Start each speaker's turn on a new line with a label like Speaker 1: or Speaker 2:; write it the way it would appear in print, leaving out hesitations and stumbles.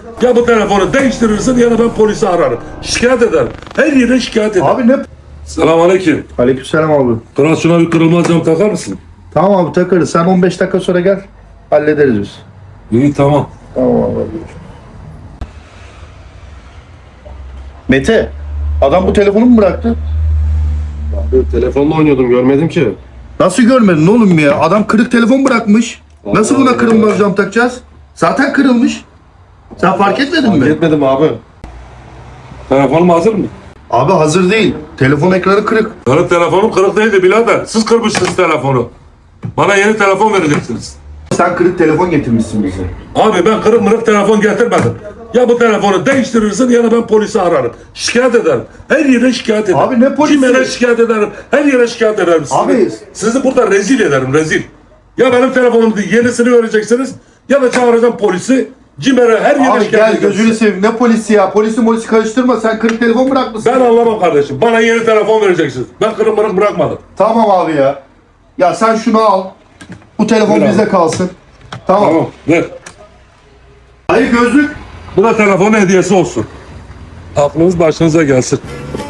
Speaker 1: Ya bu telefonu değiştirirsin ya da ben polisi ararım. Şikayet ederim. Her yere şikayet ederim.
Speaker 2: Abi ne?
Speaker 1: Selamünaleyküm.
Speaker 2: Aleykümselam abi.
Speaker 1: Kral şuna bir kırılmaz cam takar mısın?
Speaker 2: Tamam abi takarız. Sen 15 dakika sonra gel. Hallederiz biz.
Speaker 1: İyi tamam.
Speaker 2: Tamam abi. Mete, adam bu telefonu mu bıraktı?
Speaker 3: Telefonla oynuyordum, görmedim ki.
Speaker 2: Nasıl görmedin oğlum ya? Adam kırık telefon bırakmış. Nasıl buna kırılmaz cam takacağız? Zaten kırılmış. Sen fark etmedin mi?
Speaker 3: Etmedim abi.
Speaker 1: Telefonum hazır mı?
Speaker 2: Abi hazır değil. Telefon ekranı kırık.
Speaker 1: Benim telefonum kırık değildi birader. Siz kırmışsınız telefonu. Bana yeni telefon vereceksiniz.
Speaker 2: Sen kırık telefon getirmişsin bize.
Speaker 1: Abi ben kırık mırık telefon getirmedim. Ya bu telefonu değiştirirsin ya da ben polisi ararım. Şikayet ederim. Her yere şikayet ederim.
Speaker 2: Abi ne polisi?
Speaker 1: Kime şikayet ederim? Her yere şikayet ederim.
Speaker 2: Abi-
Speaker 1: Sizi burada rezil ederim, rezil. Ya benim telefonumu yenisini vereceksiniz ya da çağıracağım polisi. Cimer'e her yere
Speaker 2: Abi
Speaker 1: şikayet
Speaker 2: gel
Speaker 1: edeceğim.
Speaker 2: gözünü seveyim. Ne polisi ya? Polisi karıştırma. Sen kırık telefon bırakmışsın.
Speaker 1: Ben anlamam kardeşim. Bana yeni telefon vereceksiniz. Ben kırık mırık bırakmadım.
Speaker 2: Tamam abi ya. Ya sen şunu al. Bu telefon
Speaker 1: Ver
Speaker 2: bizde
Speaker 1: abi.
Speaker 2: kalsın. Tamam.
Speaker 1: Tamam ver.
Speaker 2: Hayır gözlük.
Speaker 1: Bu da telefon hediyesi olsun. Aklınız başınıza gelsin.